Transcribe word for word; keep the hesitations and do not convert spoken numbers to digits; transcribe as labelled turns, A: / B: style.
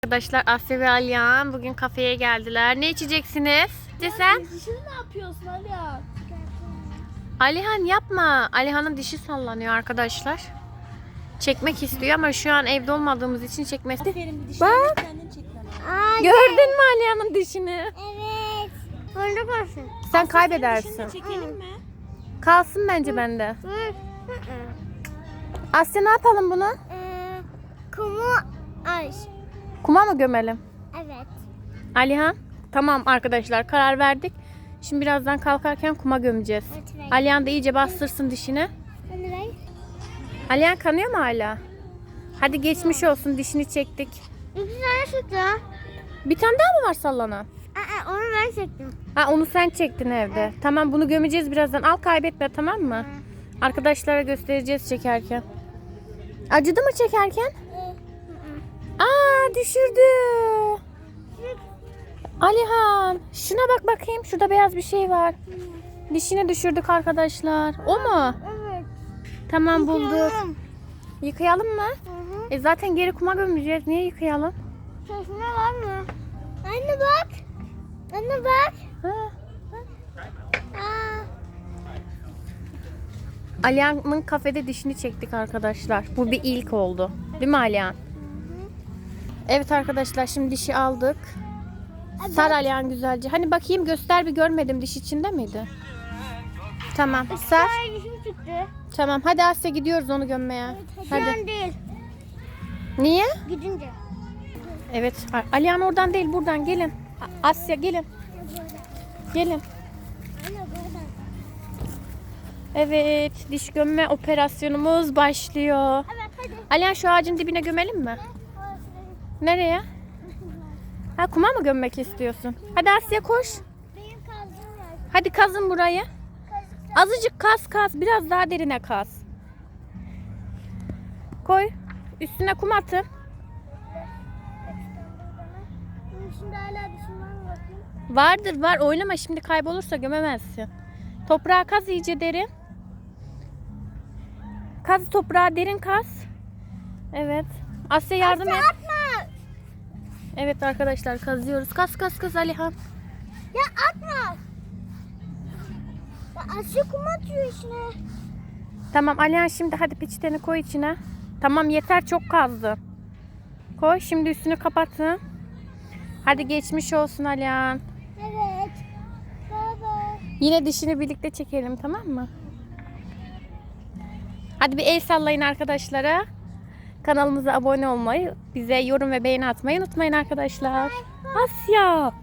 A: Arkadaşlar Asya ve Alihan bugün kafeye geldiler. Ne içeceksiniz? De sen?
B: Dişini ne yapıyorsun Alihan?
A: Alihan yapma. Alihan'ın dişi sallanıyor arkadaşlar. Çekmek istiyor ama şu an evde olmadığımız için çekmesi.
B: Aferin bir dişini
A: Bak.
B: kendin çek bana.
A: Gördün mü Alihan'ın dişini?
C: Evet. Bunda kalsın.
A: Sen
B: Senin
A: kaybedersin.
B: dişini çekelim mi?
A: Kalsın bence bende.
C: Hı. Hı hı.
A: Asya ne yapalım bunu?
C: Ee, kumu aç.
A: Kuma mı gömelim?
C: Evet.
A: Alihan? Tamam arkadaşlar karar verdik. Şimdi birazdan kalkarken kuma gömeceğiz.
C: Evet, ver.
A: Alihan da iyice bastırsın dişini.
C: Bunu ver.
A: Alihan kanıyor mu hala? Hadi geçmiş olsun, dişini çektik.
C: İki tane çıktı.
A: Bir tane daha mı var sallanan?
C: Aa, onu ben çektim.
A: Ha, onu sen çektin evde. Tamam, bunu gömeceğiz birazdan. Al, kaybetme, tamam mı? Arkadaşlara göstereceğiz çekerken. Acıdı mı çekerken? Aa, düşürdü. Alihan, şuna bak bakayım. Şurada beyaz bir şey var. Dişini düşürdük arkadaşlar. O mu?
C: Evet.
A: Tamam, bulduk.
C: Yıkayalım.
A: Yıkayalım mı?
C: Hı hı.
A: E zaten geri kuma gömeceğiz. Niye yıkayalım?
C: Sesine var mı? Anne bak. Anne bak.
A: Ha.
C: Aa.
A: Alihan'ın kafede dişini çektik arkadaşlar. Bu bir ilk oldu. Değil mi Alihan? Evet arkadaşlar, şimdi dişi aldık. Sar Alihan güzelce. Hani bakayım, göster bir, görmedim, diş içinde miydi? Tamam, sar.
C: Ay, dişim çıktı.
A: Tamam, hadi Asya gidiyoruz onu gömmeye.
C: Şu
A: Hadi.
C: an değil.
A: Niye?
C: Gidince.
A: Evet, Alihan oradan değil, buradan gelin. A- Asya gelin. Gelin.
C: Anne buradan.
A: Evet, diş gömme operasyonumuz başlıyor.
C: Evet hadi.
A: Alihan, şu ağacın dibine gömelim mi? Nereye? Ha, kuma mı gömmek istiyorsun? Hadi Asya koş.
C: Benim kazım var.
A: Hadi kazın burayı. Azıcık kaz kaz. Biraz daha derine kaz. Koy. Üstüne kum atın.
C: Bunun içinde hala dişim var mı bakayım?
A: Vardır var. Oynama şimdi, kaybolursa gömemezsin. Toprağa kaz iyice derin. Kaz toprağa derin kaz. Evet. Asya yardım et.
C: Atma.
A: Evet arkadaşlar, kazıyoruz. Kaz kaz kaz Alihan.
C: Ya atma. Ya Asya kum atıyor içine.
A: Tamam Alihan, şimdi hadi peçeteni koy içine. Tamam, yeter, çok kazdı. Koy, şimdi üstünü kapatın. Hadi geçmiş olsun Alihan.
C: Evet. Baba.
A: Yine dişini birlikte çekelim, tamam mı? Hadi bir el sallayın arkadaşlara. Kanalımıza abone olmayı, bize yorum ve beğeni atmayı unutmayın arkadaşlar. Asya.